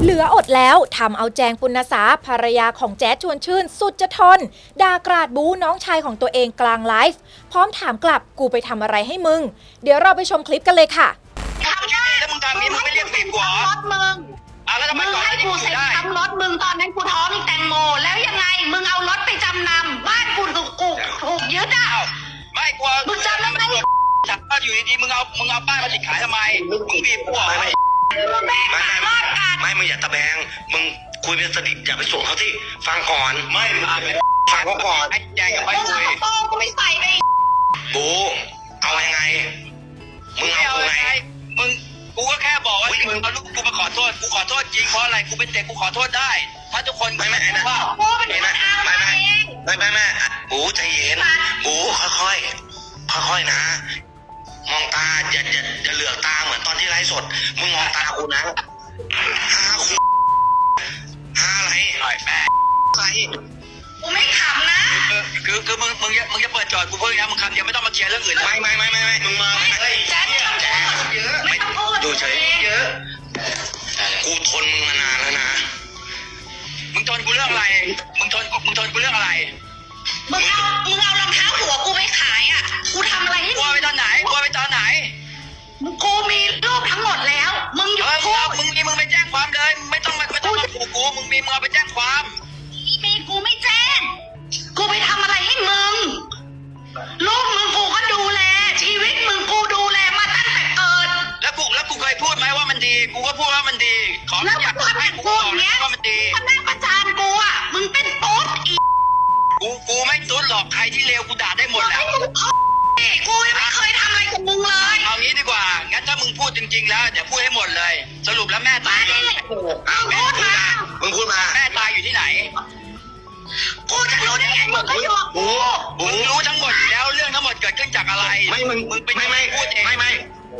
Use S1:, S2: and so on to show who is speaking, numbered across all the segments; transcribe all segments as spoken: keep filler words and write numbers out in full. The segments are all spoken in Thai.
S1: เหลืออดแล้วทำเอาแจงปุณณสาภรรยาของแจ๊ดชวนชื่นสุดจะทนด่ากราดบู๊น้องชายของตัวเองกลางไลฟ์พร้อมถามกลับกูไปทำอะไรให้มึงเดี๋ยวเราไปชมคลิปกันเลยค่ะ
S2: ทำได้แล้วมึงทำนี้มึงไม่เรียกบีบกูเหรอรถมึงอ่ะแล้วทำไมก่อนให้กูเซ็นทำรถมึงตอนนั้นกูท้องแตงโมแล้วยังไงมึงเอารถไปจำนำบ้านกูถูกกูถูกยึดอ่ะไม่กลัวมึงจำได้ไหมจับก็อยู่ดีๆมึงเอามึงเอาป้ายมาติดขายทำไมมึงบีบกูเหรอไม่ไม่ไม่ไม่มึงอย่าตะแบงมึงคุยเป็นสนิทอย่าไปส่งเขาที่ฟังก่อนไม่ฟังเขาก่อนไอ้แจงกับไปคุยกูไม่ใส่ไปกูเอายังไงมึงเอาไงมึงกูก็แค่บอกว่ามึงเอาลูกกูมาขอโทษกูขอโทษจริงเพราะอะไรกูเป็นเด็กกูขอโทษได้ถ้าทุกคนไม่ไม่ไม่ว่าไม่ไม่ไม่ไม่ไม่ไม่ไม่บูใจเย็นบูค่อยๆค่อยๆนะมองตาอย่าอย่าอย่าเหลือกตาเหมือนตอนที่ไลฟ์สดมึงมองตากูนะห้าคุณห้าอะไรหน่อยแม่อะไรกูไม่ขำนะคือคือมึงมึงมึงจะเปิดจอดกูเพิ่งนะมึงคำเดียวไม่ต้องมาเคลียร์เรื่องอื่นไม่ไม่ไม่ไม่ไม่มึงมาไม่แจ๊ดแจ๊ดเยอะไม่ต้องพูดดูเฉยเยอะกูทนมึงมานานแล้วนะมึงทนกูเรื่องอะไรมึงทนมึงทนกูเรื่องอะไรมึงเอามึงเอารองเท้าหัวกูไปขายอ่ะกูทำอะไรให้กูไปตอนไหนกูไปตอนไหนกูมีรูปทั้งหมดแล้วมึงหยุดพูดมึงมีมึงไปแจ้งความเลยมึงไม่ต้องมาไม่ต้องมาขู่กูมึงมีมึงเอาไปแจ้งความมีกูไม่แจ้งกูไปทำอะไรให้มึงลูกมึงกูก็ดูแลชีวิตมึงกูดูแลมาตั้งแต่เกิดแล้วกูแล้วกูเคยพูดไหมว่ามันดีกูก็พูดว่ามันดีขออยากให้กูบอกเลยว่ามันดีมันนั่งประจานกูอ่ะมึงเป็นตุ๊ดอีกูกูไม่ตุ๊ดหรอกใครที่เลวกูด่าได้หมดแหละกูยังไม่เคยทำอะไรกับมึงเลยเอางี้ดีกว่างั้นถ้ามึงพูดจริงๆแล้วเดี๋ยวพูดให้หมดเลยสรุปแล้วแม่ตายมึงพูดมามึงพูดมาแม่ตายอยู่ที่ไหนกูจะรู้ได้ไงมึงก็อยู่กับกูมึงรู้ทั้งหมดแล้วเรื่องทั้งหมดเกิดขึ้นจากอะไรไม่มึงมึงเป็นไม่ไม่พูดเองไม่ไม่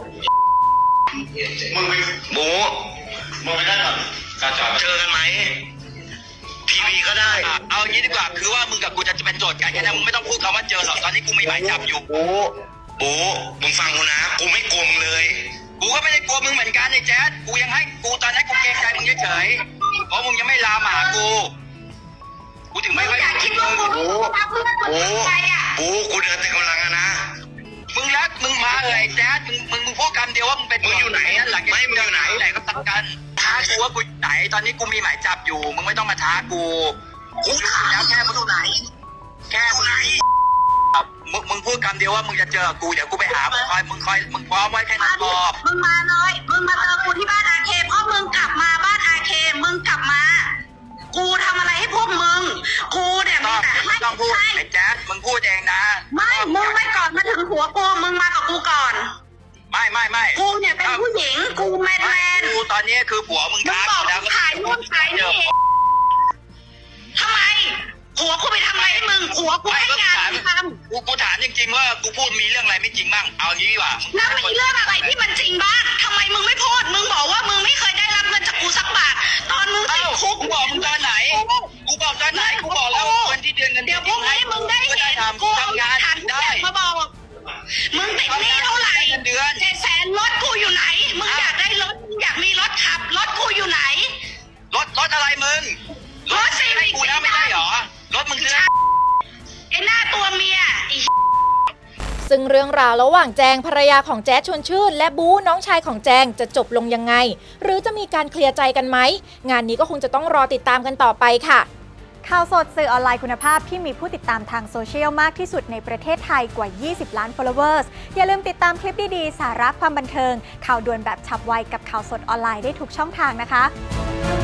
S2: มึงไปบูมึงไปได้หรอเจอกันไหมทีวีก็ได้เอางี้ดีกว่าคือว่ามึงกับกูจะเป็นโจทย์กันแค่นั้นมึงไม่ต้องพูดคำว่าเจอหรอกตอนนี้กูมีหมายจับอยู่บูบูมึงฟังกูนะกูไม่กลัวมึงเลยกูก็ไม่ได้กลัวมึงเหมือนกันไอ้แจ๊ดกูยังให้กูตอนนั้นกูเกรงใจมึงเฉยๆเพราะมึงยังไม่ลามาหากูกูถึงไม่ค่อยอยากคิดว่ากูบูบูบูกูเดินแต่กำลังอะนะมึงรักมึงมาเลยแจ๊ดมึงมึงมึงพูดคำเดียวว่ามึงเป็นมึงอยู่ไหนนั่นหลังไม่มึงอยู่ไหนไหนก็ตัดกันท้ากูว่ากูไหนตอนนี้กูมีหมายจับอยู่มึงไม่ต้องมาท้ากูกูถามแล้วแค่มึงอยู่ไหนแค่มึงไหนมึงมึงพูดคำเดียวว่ามึงจะเจอกูเดี๋ยวกูไปหามึงคอยมึงคอยมึงพร้อมไว้แค่นั้นพอมึงมาเลยมึงมาเจอกูที่บ้านอาเคเพราะมึงกลับมาบ้านอาเคมึงกลับมากูทำอะไรให้พวกมึงกูเนี่ยมีแต่ให้ต้องพูดไอ้แจ๊ดมึงพูดเองนะไม่มึงไม่ก่อนมาถึงหัวกูมึงมากับกูก่อนไม่ไม่ไม่กูเนี่ยเป็นผู้หญิงกูแมนแมนกูตอนนี้คือผัวมึงท้ากูแล้วถ่ายนู่นถ่ายนี่ทำไมผัวกูไปทำอะไรให้มึงผัวกูให้งานทำกูกูถามจริงๆว่ากูพูดมีเรื่องอะไรไม่จริงบ้างเอางี้ดีกว่าแล้วมีเรื่องอะไรที่มันจริงบ้างทำไมมึงไม่พูดมึงบอกว่ามึงไม่เคยได้รับเงินจากกูสักบาทตอนมึงติดคุกกูบอกมึงตอนไหนกูบอกตอนไหนกูบอกแล้ววันที่เดือนเงินเดือนพวกนี้มึงได้เห็นกูทำงานได้มาบอกมึงติดหนี้เท่าไหร่เดือนเจ็ดแสนรถกูอยู่ไหนมึงอยากได้รถอยากมีรถขับรถกูอยู่ไหนรถรถอะไรมึงรถซีวิกกูแล้วไม่ได้หรอรถมึงซื้อไอ้หน้าตัวเมีย
S1: ซึ่งเรื่องราวระหว่างแจงภรรยาของแจ๊ดชวนชื่นและบู๊น้องชายของแจงจะจบลงยังไงหรือจะมีการเคลียร์ใจกันไหมงานนี้ก็คงจะต้องรอติดตามกันต่อไปค่ะ
S3: ข่าวสดสื่อออนไลน์คุณภาพที่มีผู้ติดตามทางโซเชียลมากที่สุดในประเทศไทยกว่ายี่สิบล้าน followers อย่าลืมติดตามคลิปดีๆสาระความบันเทิงข่าวด่วนแบบฉับไวกับข่าวสดออนไลน์ได้ทุกช่องทางนะคะ